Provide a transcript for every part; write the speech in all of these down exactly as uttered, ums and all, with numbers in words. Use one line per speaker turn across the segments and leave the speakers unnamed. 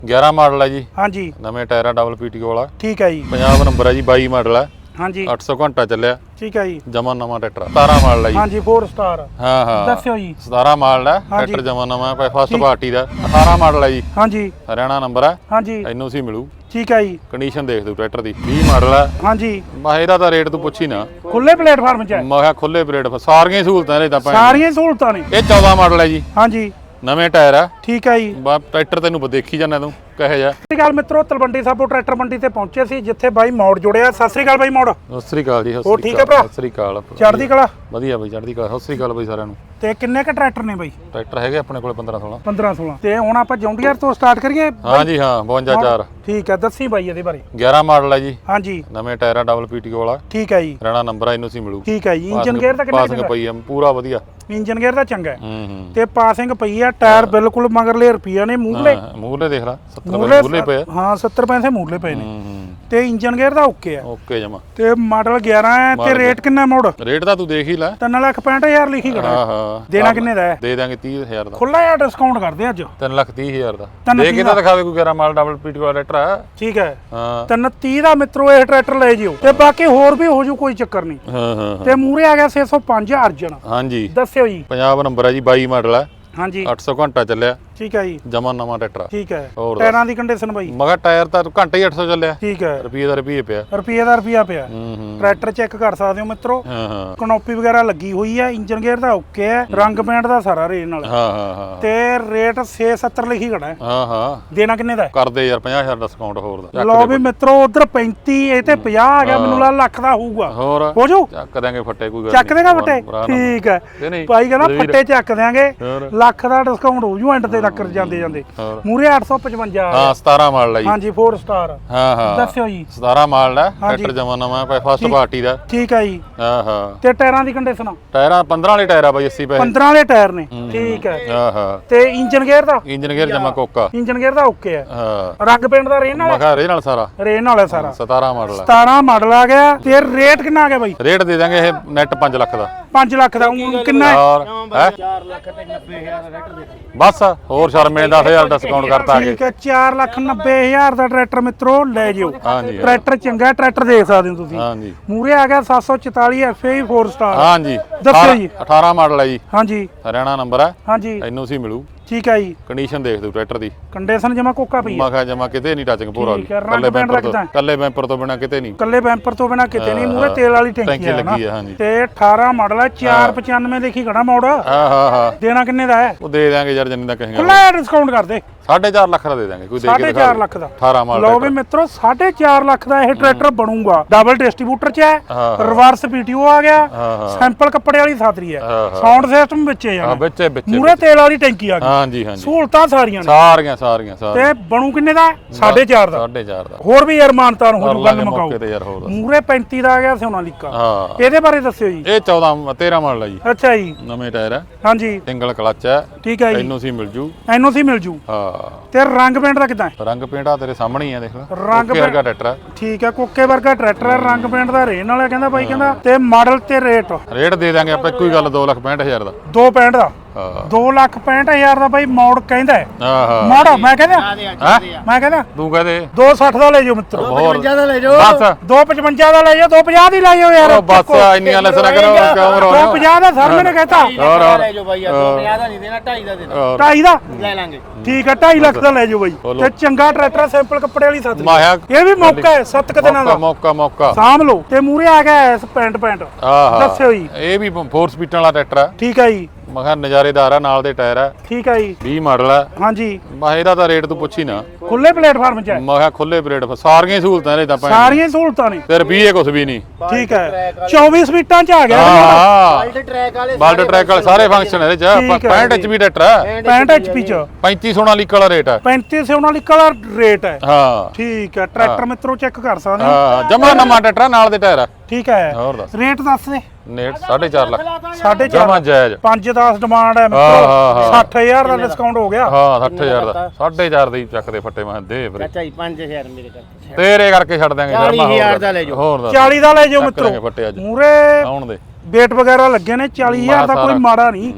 ਗਿਆਰਾਂ ਮਾਡਲ ਹੈ ਜੀ।
ਹਾਂਜੀ
ਨਵੇਂ ਟਾਇਰ ਆ ਡਬਲ ਪੀਟੀਓ ਵਾਲਾ।
ਠੀਕ ਹੈ ਜੀ।
ਪੰਜਾਬ ਨੰਬਰ ਹੈ ਜੀ। ਬਾਈ ਮਾਡਲ ਹੈ।
ਹਾਂਜੀ
ਅੱਠ ਸੌ ਘੰਟਾ ਚੱਲਿਆ।
ਠੀਕ ਹੈ ਜੀ।
ਜਮਾ ਨਵਾਂ ਟਰੈਕਟਰ ਸਤਾਰਾਂ ਮਾਡਲ ਹੈ ਜੀ।
ਹਾਂਜੀ ਚਾਰ ਸਟਾਰ।
ਹਾਂ ਹਾਂ
ਦੱਸਿਓ ਜੀ।
ਸਤਾਰਾਂ ਮਾਡਲ ਹੈ ਟਰੈਕਟਰ ਜਮਾ ਨਵਾਂ ਹੈ। ਫਸਟ ਪਾਰਟੀ ਦਾ ਅਠਾਰਾਂ ਮਾਡਲ ਹੈ ਜੀ।
ਹਾਂਜੀ
ਹਰਿਆਣਾ ਨੰਬਰ ਹੈ।
ਹਾਂਜੀ
ਇਹਨੂੰ ਸੀ ਮਿਲੂ।
ਠੀਕ ਹੈ ਜੀ।
ਕੰਡੀਸ਼ਨ ਦੇਖ ਤੂੰ ਟਰੈਕਟਰ ਦੀ। ਵੀਹ ਮਾਡਲ ਹੈ।
ਹਾਂਜੀ
ਮੈਂ ਇਹਦਾ ਤਾਂ ਰੇਟ ਤੂੰ ਪੁੱਛੀ ਨਾ।
ਖੁੱਲੇ ਪਲੇਟਫਾਰਮ 'ਚ ਹੈ।
ਮੈਂ ਕਿਹਾ ਖੁੱਲੇ ਪਲੇਟ ਸਾਰੀਆਂ ਸਹੂਲਤਾਂ ਇਹਦੇ ਤਾਂ ਭੈਣ।
ਸਾਰੀਆਂ ਸਹੂਲਤਾਂ ਨੇ।
ਇਹ ਚੌਦਾਂ ਮਾਡਲ ਹੈ ਜੀ।
ਹਾਂਜੀ
ਨਵੇਂ ਟਾਇਰ ਆ।
ਠੀਕ ਹੈ ਜੀ।
ਬਾ ਟਰੈਕਟਰ ਤੈਨੂੰ ਦੇਖੀ ਜਾਂਦਾ ਤੂੰ ਕਹੇ ਜਾ।
ਸਤਿ ਸ਼੍ਰੀ ਅਕਾਲ ਮਿੱਤਰੋ, ਤਲਵੰਡੀ ਸਾਬੋ ਟਰੈਕਟਰ ਮੰਡੀ ਤੇ ਪਹੁੰਚੇ ਸੀ ਜਿੱਥੇ ਬਾਈ ਮੋੜ ਜੁੜਿਆ। ਸਤਿ ਸ਼੍ਰੀ ਅਕਾਲ ਬਾਈ ਮੋੜ।
ਸਤਿ ਸ੍ਰੀ ਅਕਾਲ ਜੀ।
ਹੋਰ ਠੀਕ ਹੈ ਭਰਾ?
ਸਤਿ ਸ੍ਰੀ ਅਕਾਲ।
ਚੜ੍ਹਦੀ ਕਲਾ।
ਵਧੀਆ ਬਾਈ ਚੜ੍ਹਦੀ ਕਲਾ। ਸਤਿ ਸ੍ਰੀ ਅਕਾਲ ਬਾਈ ਸਾਰਿਆਂ ਨੂੰ।
ਤੇ ਕਿੰਨੇ ਕ ਟਰੈਕਟਰ ਨੇ ਬਾਈ?
ਟਰੈਕਟਰ ਹੈਗੇ ਆਪਣੇ ਕੋਲੇ ਪੰਦਰਾਂ ਸੋਲਾਂ।
ਪੰਦਰਾਂ ਸੋਲਾਂ। ਤੇ ਹੁਣ ਆਪਾਂ ਜੌਂਡੀਅਰ ਤੋਂ ਸਟਾਰਟ ਕਰੀਏ?
ਹਾਂ ਜੀ ਹਾਂ ਬਵੰਜਾ ਚਾਰ।
ਠੀਕ ਹੈ, ਦੱਸੀ ਬਾਈ ਇਹਦੇ ਬਾਰੇ।
ਗਿਆਰਾਂ ਮਾਡਲ ਹੈ ਜੀ।
ਹਾਂਜੀ
ਨਵੇਂ ਟਾਇਰ ਆ ਡਬਲ ਪੀਟੀਓ ਵਾਲਾ।
ਠੀਕ ਹੈ ਜੀ।
ਹਰਿਆਣਾ ਨੰਬਰ ਆ। ਇਹਨੂੰ ਸੀ ਮਿਲੂ।
ਠੀਕ ਹੈ ਜੀ। ਇੰਜਨ ਗੇਅਰ ਦਾ ਕਿੰਨਾ
ਪਾਸਿੰਗ ਪਈ ਆ ਪੂਰਾ ਵਧੀਆ।
ਇੰਜਨ ਗੇਅਰ ਦਾ ਚੰਗਾ ਹੈ।
ਹੂੰ ਹੂੰ
ਤੇ ਪਾਸਿੰਗ ਪਈ ਆ। ਟਾਇਰ ਬਿਲਕੁਲ ਮਗਰਲੇ ਰੁਪਈਆ ਨੇ ਮੂਹਰੇ।
ਮੂਹਰੇ ਦੇਖ ਲੈ ਸੱਤਰ ਮੂਹਰੇ ਪਏ।
ਹਾਂ ਸੱਤਰ ਪੈਸੇ ਮੂਹਰੇ ਪਏ ਨੇ।
ਹੂੰ ਹੂੰ
ਤੇ ਇੰਜਨ ਗੇਅਰ ਦਾ ਓਕੇ ਆ।
ਓਕੇ ਜਮਾ।
ਤੇ ਮਾਡਲ ਗਿਆਰਾਂ ਹੈ। ਤੇ ਰੇਟ ਕਿੰਨਾ ਮੋੜ?
ਰੇਟ ਤਾਂ ਤੂੰ ਦੇਖ ਹੀ ਲੈ।
ਤਿੰਨ ਲੱਖ ਪੈਂਹਠ ਹਜ਼ਾਰ ਲਿਖੀ ਖੜਾ।
ਹਾਂ ਹਾਂ
ਦੇਣਾ ਕਿੰਨੇ ਦਾ ਹੈ?
ਦੇ ਦਾਂਗੇ ਤੀਹ ਹਜ਼ਾਰ ਦਾ।
ਖੁੱਲਾ ਜਿਹਾ ਡਿਸਕਾਊਂਟ ਕਰਦੇ ਅੱਜ।
ਤਿੰਨ ਲੱਖ ਤੀਹ ਹਜ਼ਾਰ ਦਾ
ਤਿੰਨ
ਦੇ ਕੇ ਤਾਂ ਦਿਖਾਵੇ ਕੋਈ ਗਿਆਰਾਂ ਮਾਡਲ ਡਬਲ ਪੀਟੀਓ ਵਾਲਾ ਟਰੈਕਟਰ ਆ।
ਠੀਕ ਹੈ।
ਹਾਂ
ਤਿੰਨ ਤੀਹ ਦਾ ਮਿੱਤਰੋ ਇਹ ਟਰੈਕਟਰ ਲੈ ਜਿਓ। ਤੇ ਬਾਕੀ ਹੋਰ ਵੀ ਹੋ ਜੂ, ਕੋਈ ਚੱਕਰ ਨਹੀਂ।
ਹਾਂ ਹਾਂ
ਤੇ ਮੂਰੇ ਆ ਗਿਆ ਛੇ ਸੌ ਪੰਜ ਅਰਜਨ।
ਹਾਂਜੀ
ਦੱਸਿਓ ਜੀ।
ਪੰਜਾਬ ਨੰਬਰ ਹੈ ਜੀ। ਬਾਈ ਮਾਡਲ ਹੈ।
ਹਾਂਜੀ
ਅੱਠ ਸੌ ਘੰਟਾ ਚੱਲਿਆ।
ਠੀਕ ਹੈ ਜੀ।
ਜਮਾ ਨਵਾਂ ਟਰੈਕਟਰ।
ਠੀਕ ਹੈ।
ਹੋਰ
ਟਾਇਰਾਂ ਦੀ ਕੰਡੀਸ਼ਨ ਬਾਈ?
ਮਗਾ ਟਾਇਰ ਤਾਂ ਘੰਟਾ ਹੀ ਅੱਠ ਸੌ ਚੱਲਿਆ।
ਠੀਕ ਹੈ।
ਰੁਪਈਏ ਦਾ ਰੁਪਈਏ ਪਿਆ।
ਰੁਪਈਏ ਦਾ ਰੁਪਈਆ ਪਿਆ।
ਹੂੰ ਹੂੰ
ਟਰੈਕਟਰ ਚੈੱਕ ਕਰ ਸਕਦੇ ਹੋ ਮਿੱਤਰੋ।
ਹਾਂ ਹਾਂ
ਕਨੋਪੀ ਵਗੈਰਾ ਲੱਗੀ ਹੋਈ ਹੈ। ਇੰਜਨ ਗੇਅਰ ਦਾ ਓਕੇ ਹੈ। ਰੰਗ ਪੇਂਟ ਦਾ ਸਾਰਾ ਰੇਟ ਨਾਲ।
ਹਾਂ ਹਾਂ ਹਾਂ
ਤੇ ਰੇਟ ਛੇ ਸੱਤਰ ਲਿਖੀ ਖੜਾ ਹੈ।
ਹਾਂ ਹਾਂ
ਦੇਣਾ ਕਿੰਨੇ ਦਾ ਹੈ?
ਕਰਦੇ ਯਾਰ ਪੰਜਾਹ ਹਜ਼ਾਰ ਡਿਸਕਾਊਂਟ ਹੋਰ ਦਾ।
ਲਓ ਵੀ ਮਿੱਤਰੋ, ਉਧਰ ਪੈਂਤੀ ਇਹ ਤੇ ਪੰਜਾਹ ਆ ਗਿਆ। ਮੈਨੂੰ ਲੱਗ ਲੱਖ ਦਾ ਹੋਊਗਾ।
ਹੋਰ
ਹੋ ਜੂ?
ਚੱਕ ਦਾਂਗੇ ਫੱਟੇ ਕੋਈ ਗੱਲ
ਚੱਕ ਦੇਗਾ ਫੱਟੇ? ਠੀਕ ਹੈ ਭਾਈ, ਕਹਿੰਦਾ ਫੱਟੇ ਚੱਕ ਦਿਆਂਗੇ। ਲੱਖ ਦਾ ਡਿਸਕਾਊਂਟ ਹੋ ਜੂ ਐਂਡ ਤੇ ਤੱਕ ਜਾਂਦੇ ਜਾਂਦੇ। ਮੂਰੇ ਅੱਠ ਸੌ ਪਚਵੰਜਾ।
ਹਾਂ ਸਤਾਰਾਂ ਮਾਡਲ ਹੈ ਜੀ।
ਹਾਂਜੀ ਚਾਰ ਸਟਾਰ।
ਹਾਂ ਹਾਂ
ਦੱਸਿਓ ਜੀ।
ਸਤਾਰਾਂ ਮਾਡਲ ਹੈ ਟਰੈਕਟਰ ਜਮਾ ਨਵਾਂ ਹੈ। ਫਸਟ ਪਾਰਟੀ ਦਾ।
ਠੀਕ ਹੈ ਜੀ।
ਹਾਂ ਹਾਂ
ਤੇ ਟਾਇਰਾਂ ਦੀ ਕੰਡੀਸ਼ਨ?
ਟਾਇਰਾਂ ਪੰਦਰਾਂ ਵਾਲੇ ਟਾਇਰ ਆ ਬਾਈ ਅੱਸੀ ਪੈਸੇ।
ਪੰਦਰਾਂ ਵਾਲੇ ਟਾਇਰ ਨੇ। ਠੀਕ ਹੈ।
ਹਾਂ ਹਾਂ
ਤੇ ਇੰਜਨ ਗੇਅਰ ਦਾ?
ਇੰਜਨ ਗੇਅਰ ਜਮਾ ਕੋਕਾ।
ਇੰਜਨ ਗੇਅਰ ਦਾ ਓਕੇ ਹੈ।
ਹਾਂ
ਰੰਗ ਪੇਂਟ ਦਾ ਰੇਨ ਨਾਲ?
ਮਖਾ ਰੇ ਨਾਲ ਸਾਰਾ
ਰੇਨ ਨਾਲ ਹੈ ਸਾਰਾ।
ਸਤਾਰਾਂ ਮਾਡਲ ਹੈ।
ਸਤਾਰਾਂ ਮਾਡਲ ਆ ਗਿਆ। ਤੇ ਰੇਟ ਕਿੰਨਾ ਆ ਗਿਆ ਬਾਈ?
ਰੇਟ ਦੇ ਦਾਂਗੇ ਇਹ ਨੈਟ ਪੰਜ ਲੱਖ ਦਾ।
ਪੰਜ ਲੱਖ ਦਾ ਊਂ ਕਿੰਨਾ ਹੈ?
ਔਰ ਹੈ ਚਾਰ ਲੱਖ ਤੇ ਨੱਬੇ ਹਜ਼ਾਰ ਦਾ ਟਰੈਕਟਰ ਦੇ ਬਸ ਹੋਰ ਸ਼ਰਮੇ ਦਸ ਹਜ਼ਾਰ ਡਿਸਕਾਊਂਟ ਕਰਤਾ ਆ ਕੇ।
ਠੀਕ ਹੈ। ਚਾਰ ਲੱਖ ਨੱਬੇ ਹਜ਼ਾਰ ਦਾ ਟਰੈਕਟਰ ਮਿੱਤਰੋ ਲੈ ਜਿਓ।
ਹਾਂਜੀ
ਟਰੈਕਟਰ ਚੰਗਾ ਟਰੈਕਟਰ ਦੇਖ ਸਕਦੇ ਹੋ ਤੁਸੀਂ।
ਹਾਂਜੀ
ਮੂਰੇ ਆ ਗਿਆ ਸੱਤ ਸੌ ਚੁਤਾਲੀ ਐਫ ਏ ਚਾਰ ਸਟਾਰ।
ਹਾਂਜੀ
ਦੱਸਿਓ ਜੀ।
ਅਠਾਰਾਂ ਮਾਡਲ ਹੈ ਜੀ।
ਹਾਂਜੀ
ਹਰਿਆਣਾ ਨੰਬਰ ਹੈ।
ਹਾਂਜੀ
ਇਹਨੂੰ ਸੀ ਮਿਲੂ।
ਠੀਕ ਹੈ ਜੀ।
ਕੰਡੀਸ਼ਨ ਦੇਖ ਤੂੰ ਟਰੈਕਟਰ ਦੀ।
ਕੰਡੀਸ਼ਨ ਜਮਾ ਕੋਕਾ ਪਈ ਹੈ।
ਮੈਂ ਕਿਹਾ ਜਮਾ ਕਿਤੇ ਨਹੀਂ ਟੱਚਿੰਗ ਪੂਰਾ
ਠੀਕ ਹੈ। ਰੰਗ ਪੈਂਟ ਦਾ ਕਿਦਾਂ?
ਕੱਲੇ ਬੈਂਪਰ ਤੋਂ ਬਿਨਾ ਕਿਤੇ ਨਹੀਂ।
ਕੱਲੇ ਬੈਂਪਰ ਤੋਂ ਬਿਨਾ ਕਿਤੇ ਨਹੀਂ। ਮੂਰੇ ਤੇਲ ਵਾਲੀ ਟੈਂਕੀ
ਟੈਂਕੀ
ਹੈ
ਲੱਗੀ ਹੈ। ਹਾਂਜੀ
ਤੇ ਅਠਾਰਾਂ ਮਾਡਲ ਹੈ। ਚਾਰ ਪਚਾਨਵੇਂ ਦੇਖੀ ਖੜਾ ਮੋੜ।
ਹਾਂ ਹਾਂ ਹਾਂ
ਦੇਣਾ ਕਿੰਨੇ ਦਾ ਹੈ?
ਉਹ ਦੇ ਦਾਂਗੇ ਯਾਰ ਜਿੰਨੇ ਦਾ ਕਹੇਗਾ।
ਖੁੱਲਾ ਡਿਸਕਾਊਂਟ ਕਰ ਦੇ।
ਸਾਢੇ ਚਾਰ ਲੱਖ ਦਾ ਦੇ ਦਾਂਗੇ ਕੋਈ ਦੇ ਕੇ
ਸਾਢੇ ਚਾਰ ਲੱਖ ਦਾ।
ਅਠਾਰਾਂ ਮਾਡਲ।
ਲਓ ਵੀ ਮਿੱਤਰੋ, ਸਾਢੇ ਚਾਰ ਲੱਖ ਦਾ ਇਹ ਟਰੈਕਟਰ ਬਣੂਗਾ। ਡਬਲ ਡਿਸਟ੍ਰੀਬਿਊਟਰ ਚ ਹੈ। ਰਿਵਰਸ ਪੀਟੀਓ ਆ ਗਿਆ। ਸੈਂਪਲ ਕੱਪੜੇ ਵਾਲੀ ਸਾਦਰੀ ਹੈ। ਸਾਊਂਡ ਸਿਸਟਮ ਵਿੱਚ ਹੈ
ਹਾਂ ਵਿੱਚ ਵਿੱਚ
ਮੂਰੇ ਤੇਲ ਵਾਲੀ ਟੈਂਕੀ ਆ ਗਈ।
ਹਾਂਜੀ ਹਾਂਜੀ
ਸਹੂਲਤਾਂ ਸਾਰੀਆਂ ਨੇ।
ਸਾਰੀਆਂ ਸਾਰੀਆਂ ਸਾਰੀਆਂ।
ਤੇ ਬਣੂ ਕਿੰਨੇ ਦਾ? ਸਾਢੇ ਚਾਰ ਦਾ।
ਸਾਢੇ ਚਾਰ ਦਾ
ਹੋਰ ਵੀ ਯਾਰ ਮਾਨਤਾਨ ਹੋ ਜੂ। ਗੱਲ ਮੁਕਾਓ।
ਤੇ ਯਾਰ ਹੋਰ
ਮੂਰੇ ਪੈਂਤੀ ਦਾ ਆ ਗਿਆ ਸੋਨਾਲੀਕਾ।
ਹਾਂ
ਇਹਦੇ ਬਾਰੇ ਦੱਸਿਓ ਜੀ।
ਇਹ ਚੌਦਾਂ ਤੇਰਾਂ ਮਾਡਲ ਹੈ ਜੀ।
ਅੱਛਾ ਜੀ।
ਨਵੇਂ ਟਾਇਰ ਹੈ।
ਹਾਂਜੀ
ਸਿੰਗਲ ਕਲਚ ਹੈ।
ਠੀਕ ਹੈ ਜੀ।
ਇਹਨੂੰ ਸੀ ਮਿਲ ਜੂ।
ਇਹਨੂੰ ਸੀ ਮਿਲ ਜੂ।
ਹਾਂ
ਤੇ ਰੰਗ ਪੇਂਟ ਦਾ ਕਿਦਾਂ?
ਰੰਗ ਪੇਂਟ ਆ ਤੇਰੇ ਸਾਹਮਣੇ ਹੀ ਆ ਦੇਖ ਲੈ।
ਰੰਗ
ਵਰਗਾ ਟਰੈਕਟਰ ਹੈ।
ਠੀਕ ਹੈ। ਕੋਕੇ ਵਰਗਾ ਟਰੈਕਟਰ ਹੈ। ਰੰਗ ਪੇਂਟ ਦਾ ਰੇਨ ਵਾਲਾ ਕਹਿੰਦਾ ਬਾਈ ਕਹਿੰਦਾ। ਤੇ ਮਾਡਲ ਤੇ ਰੇਟ?
ਰੇਟ ਦੇ ਦਾਂਗੇ ਆਪਾਂ ਇੱਕੋ ਹੀ ਗੱਲ ਦੋ ਲੱਖ ਪੈਂਹਠ ਹਜ਼ਾਰ ਦਾ।
ਦੋ ਪੈਂਹਠ ਦਾ?
ਹਾਂ
ਦੋ ਲੱਖ ਪੈਂਹਠ ਹਜ਼ਾਰ ਦਾ ਬਾਈ ਮੋੜ ਕਹਿੰਦਾ ਹੈ।
ਹਾਂ ਹਾਂ
ਮੋੜ ਮੈਂ ਕਹਿੰਦਾ
ਹੈ
ਮੈਂ ਕਹਿੰਦਾ
ਤੂੰ ਕਹਦੇ
ਦੋ ਸੱਠ ਦਾ ਲੈ ਜਾਓ ਮਿੱਤਰੋ।
ਦੋ ਪਚਵੰਜਾ
ਦਾ ਲੈ ਜਾਓ। ਬਸ ਦੋ ਪਚਵੰਜਾ ਦਾ ਲੈ ਜਾਓ। ਦੋ ਪੰਜਾਹ ਦੀ ਲੈ ਜਾਓ ਯਾਰ।
ਉਹ ਬਸ ਇੰਨੀਆਂ ਲੈਸਣਾ ਕਰੋ ਕਿਉਂ ਰੋ
ਦੋ ਪੰਜਾਹ ਦਾ ਸਰ ਮੈਨੇ ਕਹਿਤਾ।
ਹੋਰ ਹੋਰ
ਲੈ ਜਾਓ ਬਾਈ ਯਾਰ। ਦੋ ਪੰਜਾਹ ਦਾ ਨਹੀਂ ਦੇਣਾ, ਢਾਈ ਦਾ ਦੇਣਾ।
ਢਾਈ ਦਾ
ਲੈ ਲਾਂਗੇ।
ਠੀਕ ਹੈ। ਢਾਈ ਲੱਖ ਦਾ ਲੈ ਜਾਓ ਬਾਈ। ਤੇ ਚੰਗਾ ਟਰੈਕਟਰ ਸੈਂਪਲ ਕੱਪੜੇ ਵਾਲੀ ਸਾਥ।
ਮਾਇਆ
ਇਹ ਵੀ ਮੌਕਾ ਹੈ ਸੱਤ ਕ ਦਿਨਾਂ ਦਾ।
ਮੌਕਾ ਮੌਕਾ
ਸਾਂਭ ਲਓ। ਤੇ ਮੂਰੇ ਆ ਗਿਆ ਐਸ ਪੈਂਟ ਪੈਂਟ।
ਆਹ
ਦੱਸਿਓ ਜੀ।
ਇਹ ਵੀ ਫੋਰ ਸਪੀਡਾਂ ਵਾਲਾ ਟਰੈਕਟਰ ਹੈ।
ਠੀਕ ਹੈ ਜੀ।
ਮੈਂ ਕਿਹਾ ਨਜ਼ਾਰੇਦਾਰ ਆ। ਨਾਲ ਦੇ ਟਾਇਰ ਹੈ।
ਠੀਕ ਹੈ ਜੀ।
ਵੀਹ ਮਾਡਲ ਹੈ।
ਹਾਂਜੀ
ਮੈਂ ਇਹਦਾ ਤਾਂ ਰੇਟ ਤੂੰ ਪੁੱਛੀ ਨਾ।
ਖੁੱਲੇ ਪਲੇਟਫਾਰਮ 'ਚ ਹੈ।
ਮੈਂ ਕਿਹਾ ਖੁੱਲੇ ਪਲੇਟ ਸਾਰੀਆਂ ਸਹੂਲਤਾਂ ਇਹਦੇ ਤਾਂ ਭੈਣ।
ਸਾਰੀਆਂ ਸਹੂਲਤਾਂ ਨੇ।
ਤੇ ਰੁਪਈਏ ਕੁਛ ਵੀ ਨਹੀਂ।
ਠੀਕ ਹੈ। ਚੌਵੀ ਸਪੀਟਾਂ 'ਚ ਆ ਗਿਆ।
ਹਾਂ
ਬਲਟ ਟਰੈਕ ਵਾਲੇ
ਬਲਟ ਟਰੈਕ ਵਾਲੇ ਸਾਰੇ ਫੰਕਸ਼ਨ ਇਹਦੇ ਚ। ਪੈਂਹਠ ਐਚ ਪੀ ਟਰੈਕਟਰ ਹੈ।
ਪੈਂਹਠ ਐਚ ਪੀ 'ਚ
ਪੈਂਤੀ ਸੋਨਾਲੀਕਾ ਵਾਲਾ ਰੇਟ ਹੈ।
ਪੈਂਤੀ ਸੋਨਾਲੀਕਾ ਦਾ ਰੇਟ ਹੈ।
ਹਾਂ
ਠੀਕ ਹੈ। ਟਰੈਕਟਰ ਮਿੱਤਰੋ ਚੈੱਕ ਕਰ ਸਕਦੇ ਹੋ।
ਹਾਂ ਜਮਾ ਨਵਾਂ ਟਰੈਕਟਰ ਨਾਲ ਦੇ ਟਾਇਰ ਹੈ।
ਠੀਕ ਹੈ।
ਹੋਰ ਦੱਸ
ਰੇਟ ਦੱਸ ਦੇ।
ਨੇਟ ਸਾਢੇ ਚਾਰ ਲੱਖ।
ਸਾਢੇ
ਜਮਾ
ਚਾਰ
ਜਾਇਜ਼।
ਪੰਜ ਦਸ ਡਿਮਾਂਡ ਹੈ
ਹਾਂ,
ਮਿੱਤਰੋ।
ਹਾਂ, ਹਾਂ।
ਸੱਠ ਹਜ਼ਾਰ ਦਾ ਡਿਸਕਾਊਂਟ ਹੋ ਗਿਆ।
ਹਾਂ ਸੱਠ ਹਜ਼ਾਰ ਦਾ। ਸਾਢੇ ਚਾਰ ਦੇ ਹੀ ਚੱਕਦੇ ਫੱਟੇ ਮੈਂ ਦੇ ਵੀਰੇ।
ਚਾਚਾ ਜੀ ਪੰਜ ਹਜ਼ਾਰ ਮੇਰੇ ਕਰਕੇ।
ਤੇਰੇ ਕਰਕੇ ਛੱਡ ਦਾਂਗੇ
ਚਾਲੀ ਹਜ਼ਾਰ ਦਾ ਲੈ ਜਾਓ।
ਹੋਰ ਦੱਸ
ਚਾਲੀ ਦਾ ਲੈ ਜਾਓ
ਚੱਕ ਲਾਂਗੇ
ਮਿੱਤਰੋ।
ਫੱਟੇ ਅੱਜ
ਮੂਰੇ
ਆਉਣ ਦੇ।
ਵੇਟ ਵਗੈਰਾ ਲੱਗੇ ਨੇ। ਚਾਲੀ ਹਜ਼ਾਰ ਦਾ ਕੋਈ ਮਾੜਾ ਨਹੀਂ।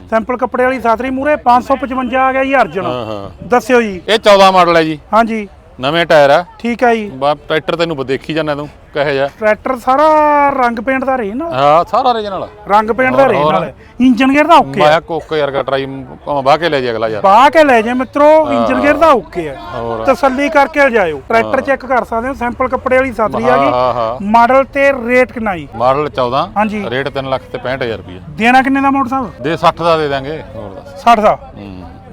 ਸੈਂਪਲ ਕੱਪੜੇ ਵਾਲੀ ਸਾਤਰੀ ਮੂਰੇ ਪੰਜ ਸੌ ਪਚਵੰਜਾ ਆ ਗਿਆ ਜੀ ਅਰਜਨ।
ਹਾਂ ਹਾਂ
ਦੱਸਿਓ ਜੀ।
ਇਹ ਚੌਦਾਂ ਮਾਡਲ ਹੈ ਜੀ,
ਹਾਂਜੀ
ਨਵੇਂ ਟਾਇਰ ਆ।
ਠੀਕ ਹੈ ਜੀ।
ਬਾ ਟਰੈਕਟਰ ਤੈਨੂੰ ਦੇਖੀ ਜਾਂਦਾ ਤੂੰ ਕਹੇ ਜਾ।
ਟਰੈਕਟਰ ਸਾਰਾ ਰੰਗ ਪੇਂਟ ਦਾ ਰਹੇ ਨਾ।
ਹਾਂ ਸਾਰਾ ਰੀਜਨਲ
ਰੰਗ ਪੇਂਟ ਦਾ ਰਹੇ ਨਾਲ। ਇੰਜਨ ਗੇਅਰ ਦਾ ਓਕੇ
ਮੈਂ ਕੋਕ ਯਾਰ ਕਾ ਟਰਾਈ ਬਾਹ ਕੇ ਲੈ ਜਾ ਅਗਲਾ ਯਾਰ।
ਬਾਹ ਕੇ ਲੈ ਜਾ ਮਿੱਤਰੋ, ਇੰਜਨ ਗੇਅਰ ਦਾ ਓਕੇ ਹੈ।
ਹੋਰ
ਤਸੱਲੀ ਕਰਕੇ ਜਾਇਓ। ਟਰੈਕਟਰ ਚੈੱਕ ਕਰ ਸਕਦੇ ਹੋ। ਸੈਂਪਲ ਕੱਪੜੇ ਵਾਲੀ ਸਾਤਰੀ ਆ
ਹਾਂ
ਗਈ।
ਹਾਂ
ਮਾਡਲ ਤੇ ਰੇਟ ਕਿੰਨਾ ਜੀ?
ਮਾਡਲ ਚੌਦਾਂ,
ਹਾਂਜੀ
ਰੇਟ ਤਿੰਨ ਲੱਖ ਤੇ ਪੈਂਹਠ ਹਜ਼ਾਰ ਰੁਪਏ।
ਦੇਣਾ ਕਿੰਨੇ ਦਾ ਮੋਟਰ ਸਾਹਿਬ?
ਦੇ ਸੱਠ ਦਾ ਦੇ ਦਾਂਗੇ। ਹੋਰ ਦੱਸ।
ਸੱਠ ਦਾ।
ਹੂੰ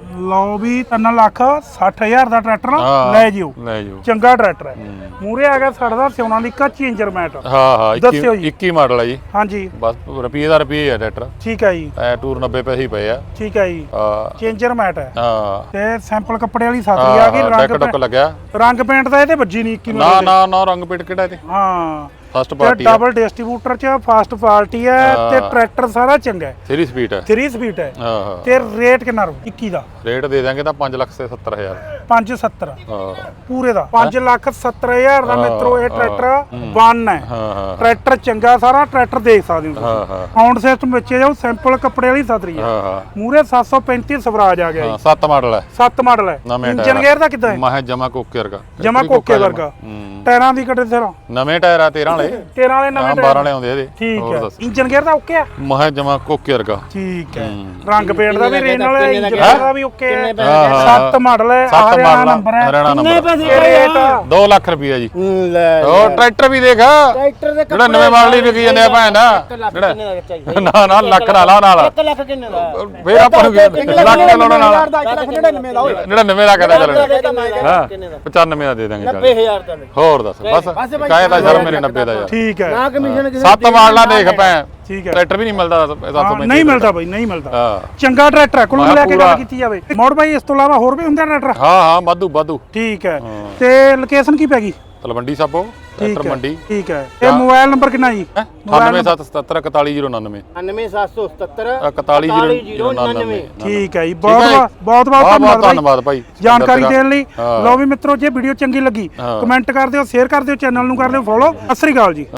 ਲਓ ਵੀ ਤਿੰਨ ਲੱਖ ਸੱਠ ਹਜ਼ਾਰ ਦਾ ਟਰੈਕਟਰ
ਹਾਂ,
ਲੈ ਜਿਓ।
ਲੈ ਜਿਓ।
ਚੰਗਾ ਟਰੈਕਟਰ ਹੈ। ਮੂਰੇ ਆ ਗਿਆ ਸਾਡਾ ਸਿਉਣਾ ਦੀ ਕੱਚੀ ਇੰਜਰ ਮੈਟ।
ਹਾਂ ਹਾਂ
ਦੱਸਿਓ ਜੀ।
ਇੱਕੀ ਮਾਡਲ ਹੈ ਜੀ।
ਹਾਂਜੀ
ਬਸ ਰੁਪਏ ਦਾ ਰੁਪਏ ਹੈ ਟਰੈਕਟਰ।
ਠੀਕ ਹੈ ਜੀ।
ਐ ਟੂਰ ਨੱਬੇ ਪੈਸੇ ਹੀ ਪਏ ਆ।
ਠੀਕ ਹੈ ਜੀ।
ਹਾਂ
ਚੇਂਜਰ ਮੈਟ ਹੈ
ਹਾਂ
ਤੇ ਸੈਂਪਲ ਕੱਪੜੇ ਵਾਲੀ ਸਾਤਰੀ ਆ ਗਈ।
ਡੈਕ
ਰੰਗ
ਟੁੱਕ ਲੱਗਿਆ।
ਰੰਗ ਪੇਂਟ ਦਾ ਇਹਦੇ ਵੱਜੀ ਨਹੀਂ ਇੱਕੀ
ਨਾ
ਮਾਡਲ
ਨਾ ਨਾ ਰੰਗ ਪੇਟ ਕਿਹੜਾ ਇਹਦੇ?
ਹਾਂ
ਫਸਟ
ਤੇ
ਪਾਰਟੀ
ਡਬਲ ਡਿਸਟ੍ਰੀਬਿਊਟਰ ਚ ਫਾਸਟ ਪਾਰਟੀ ਹੈ ਤੇ ਟਰੈਕਟਰ ਸਾਰਾ ਚੰਗਾ ਹੈ।
ਥ੍ਰੀ ਸਪੀਡ ਹੈ।
ਥ੍ਰੀ ਸਪੀਡ ਹੈ
ਹਾਂ ਹਾਂ
ਤੇ ਰੇਟ ਕਿੰਨਾ ਰੂ ਇੱਕੀ ਦਾ?
ਰੇਟ ਦੇ ਦਾਂਗੇ ਤਾਂ ਪੰਜ ਲੱਖ ਤੇ ਸੱਤਰ ਹਜ਼ਾਰ।
ਪੰਜ ਸੱਤਰ
ਹਾਂ
ਪੂਰੇ ਦਾ ਪੰਜ ਲੱਖ ਸੱਤਰ ਹਜ਼ਾਰ ਦਾ ਮਿੱਤਰੋ। ਇਹ ਟਰੈਕਟਰ ਵਨ ਹੈ।
ਹਾਂ ਹਾਂ
ਟਰੈਕਟਰ ਚੰਗਾ ਸਾਰਾ ਟਰੈਕਟਰ ਦੇਖ ਸਕਦੇ ਹੋ
ਹਾਂ
ਤੁਸੀਂ।
ਹਾਂ
ਸਾਊਂਡ ਸਿਸਟਮ ਵਿੱਚ ਜਾਓ। ਸੈਂਪਲ ਕੱਪੜੇ ਵਾਲੀ ਸਾਤਰੀ ਹੈ।
ਹਾਂ ਹਾਂ
ਮੂਰੇ ਸੱਤ ਸੌ ਪੈਂਤੀ ਸਵਰਾਜ ਆ ਗਿਆ
ਹਾਂ
ਜੀ।
ਸੱਤ ਮਾਡਲ ਹੈ।
ਸੱਤ ਮਾਡਲ ਹੈ।
ਨਵੇਂ
ਇੰਜਨ ਗੇਅਰ ਦਾ ਕਿੱਦਾਂ ਹੈ?
ਮੈਂ ਜਮਾ ਕੋਕੇ ਵਰਗਾ।
ਜਮਾ ਕੋਕੇ ਵਰਗਾ।
ਹੂੰ।
ਟਾਇਰਾਂ ਦੀ ਕੱਟੇ ਸਿਰਾਂ
ਨਵੇਂ ਟਾਇਰ ਆ ਤੇਰਾਂ ਵਾਲੇ।
ਤੇਰਾਂ ਵਾਲੇ ਨਵੇਂ
ਹਾਂ
ਟਾਇਰ।
ਬਾਰਾਂ ਵਾਲੇ ਆਉਂਦੇ ਇਹਦੇ।
ਠੀਕ
ਹੋਰ
ਹੈ।
ਦੱਸ।
ਇੰਜਨ ਗੇਅਰ ਦਾ ਓਕੇ ਆ?
ਮੈਂ ਜਮਾ ਕੋਕੇ ਵਰਗਾ।
ਠੀਕ ਹੈ। ਰੰਗ ਪੇਂਟ ਦਾ ਵੀ ਰੇਨ ਵਾਲਾ
ਕਿੰਨੇ
ਇੰਜਨ
ਦਾ
ਗੇਅਰ ਦਾ ਵੀ ਓਕੇ ਹੈ।
ਹਾਂ, ਹਾਂ।
ਸੱਤ ਮਾਡਲ ਹੈ।
ਸੱਤ
ਹਰਿਆਣਾ
ਮਾਡਲ
ਨੰਬਰ ਹੈ।
ਹਰਿਆਣਾ
ਕਿੰਨੇ
ਨੰਬਰ।
ਪੈਸੇ
ਇਹ ਰੇਟ
ਦੋ ਲੱਖ ਰੁਪਏ ਜੀ।
ਲੈ
ਉਹ ਟਰੈਕਟਰ ਵੀ ਦੇਖ।
ਟਰੈਕਟਰ ਦੇ
ਜਿਹੜਾ ਨਵੇਂ ਮਾਡਲ ਹੀ ਵਿਕੀ ਜਾਂਦੇ ਆ ਭੈਣ ਦਾ।
ਕਿੰਨੇ ਦਾ ਚਾਹੀਦਾ?
ਨਾ ਨਾ ਲੱਖ ਨਾ ਲਾ ਨਾਲ।
ਇੱਕ ਲੱਖ ਕਿੰਨੇ ਦਾ?
ਫੇਰ ਆਪਾਂ ਨੂੰ ਲੱਖ ਦਾ ਲਾਉਣਾ ਨਾਲ।
ਇੱਕ ਲੱਖ ਨੜਿਨਵੇਂ ਦਾ ਹੋਏ।
ਜਿਹੜਾ ਨਵੇਂ ਦਾ ਕਹਦਾ ਚੱਲ ਹਾਂ
ਕਿੰਨੇ ਦਾ?
ਪਚਾਨਵੇਂ ਦਾ ਦੇ ਦਾਂਗੇ ਚੱਲ।
ਨੱਬੇ ਹਜ਼ਾਰ ਦਾ ਲੈ।
ਹੋਰ ਦੱਸ ਬਸ ਕਾਹੇ ਦਾ ਸ਼ਰਮ ਮੇਰੇ ਨੱਬੇ ਦਾ ਯਾਰ।
ਠੀਕ ਹੈ।
ਨਾ ਕਮਿਸ਼ਨ ਕਿਸੇ
ਸੱਤ ਮਾਡਲਾਂ ਦੇਖ ਭੈਣ।
ਠੀਕ ਹੈ।
ਟਰੈਕਟਰ ਵੀ ਨਹੀਂ ਮਿਲਦਾ ਸੱਤ ਸੌ
ਹਾਂ,
ਪੈਂਤੀ
ਨਹੀਂ ਮਿਲਦਾ ਬਾਈ, ਨਹੀਂ ਮਿਲਦਾ।
ਹਾਂ
ਚੰਗਾ ਟਰੈਕਟਰ ਹੈ। ਕੁੱਲ
ਮੈਂ
ਮਿਲਾ ਕੇ
ਪੂਰਾ-
ਗੱਲ ਕੀਤੀ ਜਾਵੇ। ਮੋੜ ਬਾਈ ਇਸ ਤੋਂ ਇਲਾਵਾ ਹੋਰ ਵੀ ਹੁੰਦੇ ਟਰੈਕਟਰ?
ਹਾਂ ਹਾਂ ਵਾਧੂ ਵਾਧੂ।
ਠੀਕ ਹੈ। ਤੇ ਲੋਕੇਸ਼ਨ ਕੀ ਪੈ ਗਈ?
ਤਲਵੰਡੀ ਸਾਬੋ
ਠੀਕ
ਟਰੈਕਟਰ
ਹੈ।
ਮੰਡੀ।
ਠੀਕ ਹੈ। ਤੇ ਮੋਬਾਈਲ ਨੰਬਰ ਕਿੰਨਾ ਜੀ?
ਅਠਾਨਵੇਂ ਸੱਤ ਸਤੱਤਰ ਇਕਤਾਲੀ ਜ਼ੀਰੋ ਉਣਾਨਵੇਂ।
ਨੜਿਨਵੇਂ ਸੱਤ ਸੌ ਸਤੱਤਰ
ਇਕਤਾਲੀ ਜ਼ੀਰੋ ਉਣਾਨਵੇਂ।
ਠੀਕ ਹੈ ਜੀ।
ਠੀਕ
ਬਹੁਤ
ਹੈ।
ਬਹੁਤ ਬਹੁਤ
ਬਹੁਤ ਬਹੁਤ
ਧੰਨਵਾਦ
ਧੰਨਵਾਦ ਭਾਈ
ਜਾਣਕਾਰੀ ਦੇਣ ਲਈ।
ਹਾਂ।
ਲਓ ਵੀ ਮਿੱਤਰੋ, ਜੇ ਵੀਡੀਓ ਚੰਗੀ ਲੱਗੀ
ਹਾਂ।
ਕਮੈਂਟ ਕਰ ਦਿਓ, ਸ਼ੇਅਰ ਕਰ ਦਿਓ, ਚੈਨਲ ਨੂੰ ਕਰ ਦਿਓ ਫੋਲੋ। ਸਤਿ ਸ੍ਰੀ ਅਕਾਲ ਜੀ।